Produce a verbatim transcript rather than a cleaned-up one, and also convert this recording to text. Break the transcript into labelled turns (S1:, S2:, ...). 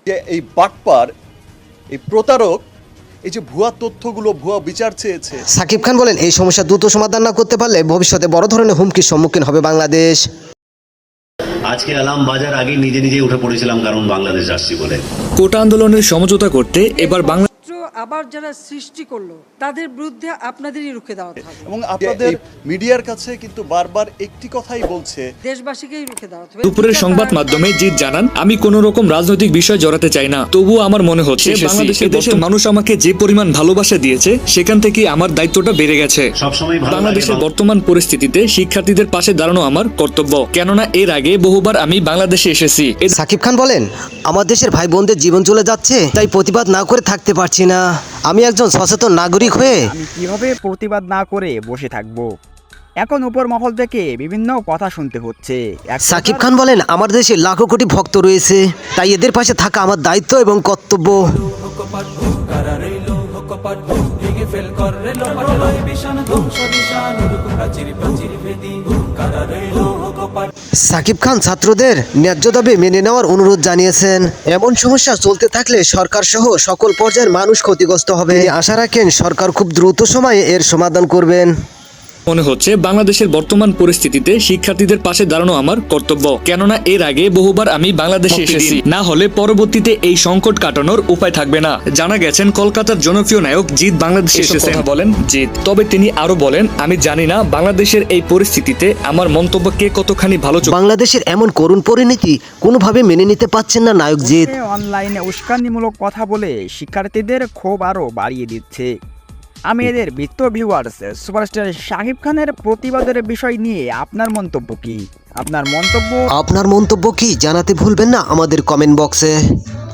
S1: যে এই বাটপার, এই প্রতারক, এই যে ভুয়া তথ্যগুলো, ভুয়া বিচার চেয়েছে।
S2: সাকিব খান বলেন, এই সমস্যা দ্রুত সমাধান না করতে পারলে ভবিষ্যতে বড় ধরনের হুমকির সম্মুখীন হবে বাংলাদেশ।
S3: আজকে অ্যালার্ম বাজার আগে নিজে নিজে উঠে পড়েছিলাম, কারণ বাংলাদেশ আসছি বলে।
S4: কোটা আন্দোলনের সমঝোতা করতে এবার বাংলা
S5: আবার যারা সৃষ্টি করলো তাদের বিরুদ্ধে আপনাদেরই রুখে দাঁড়াতে হবে
S1: এবং আপনাদের মিডিয়ার কাছে কিন্তু বারবার একটি কথাই বলছে,
S5: দেশবাসীকেই রুখে দাঁড়াতে হবে।
S4: দুপুরের সংবাদ মাধ্যমে জিৎ জানান, আমি কোন রকম রাজনৈতিক বিষয় জড়াতে চাই না, তবুও আমার মনে হচ্ছে বাংলাদেশের দেশের মানুষ আমাকে যে পরিমাণ ভালোবাসা দিয়েছে সেখান থেকে আমার দায়িত্বটা বেড়ে গেছে।
S3: সবসময় ভালো লাগে
S4: বাংলাদেশের
S3: বাংলা-
S4: বর্তমান পরিস্থিতিতে শিক্ষার্থীদের পাশে দাঁড়ানো আমার কর্তব্য, কেননা এর আগে বহুবার আমি বাংলাদেশে এসেছি। এ-
S2: সাকিব খান বলেন, আমার দেশের ভাই বোনদের জীবন চলে যাচ্ছে, তাই প্রতিবাদ না করে থাকতে পারছি না। আমি একজন সচেতন নাগরিক হয়ে
S6: আমি কিভাবে প্রতিবাদ না করে বসে থাকব? এখন উপর মহল থেকে বিভিন্ন কথা শুনতে হচ্ছে। এক
S2: সাকিব
S6: প্রকার-
S2: খান বলেন, আমার দেশে লাখো কোটি ভক্ত রয়েছে, তাই এদের পাশে থাকা আমার দায়িত্ব এবং কর্তব্য। সাকিব খান ছাত্রদের ন্যায্য দাবি মেনে নেওয়ার অনুরোধ জানিয়েছেন। এমন সমস্যা চলতে থাকলে সরকার সহ সকল পর্যায়ের মানুষ ক্ষতিগ্রস্ত হবে। তিনি আশা রাখেন সরকার খুব দ্রুত সময়ে এর সমাধান করবেন।
S4: মনে হচ্ছে বাংলাদেশের বর্তমান পরিস্থিতিতে শিক্ষার্থীদের পাশে দাঁড়ানো আমার কর্তব্য, কেননা এর আগে বহুবার আমি বাংলাদেশে এসেছি, না হলে পরবর্তীতে এই সংকট কাটানোর উপায় থাকবে না। জানা গেছেন কলকাতার জনপ্রিয় নায়ক জিৎ বাংলাদেশে এসেছেন বলেন জিৎ। তবে তিনি আরো বলেন, আমি জানি না বাংলাদেশের এই পরিস্থিতিতে আমার মন্তব্য কে কতখানি ভালো চোখে
S2: বাংলাদেশের এমন করুণ পরিণতি কোনোভাবে মেনে নিতে পারছেন না নায়ক জিৎ।
S6: অনলাইনে উস্কানিমূলক কথা বলে শিক্ষার্থীদের ক্ষোভ আরও বাড়িয়ে দিচ্ছে। আমি এদের বৃত্ত ভিউয়ার্স, সুপারস্টার শাকিব খানের প্রতিবাদের বিষয় নিয়ে আপনার মন্তব্য কি? আপনার মন্তব্য
S2: আপনার মন্তব্য কি জানাতে ভুলবেন না আমাদের কমেন্ট বক্সে।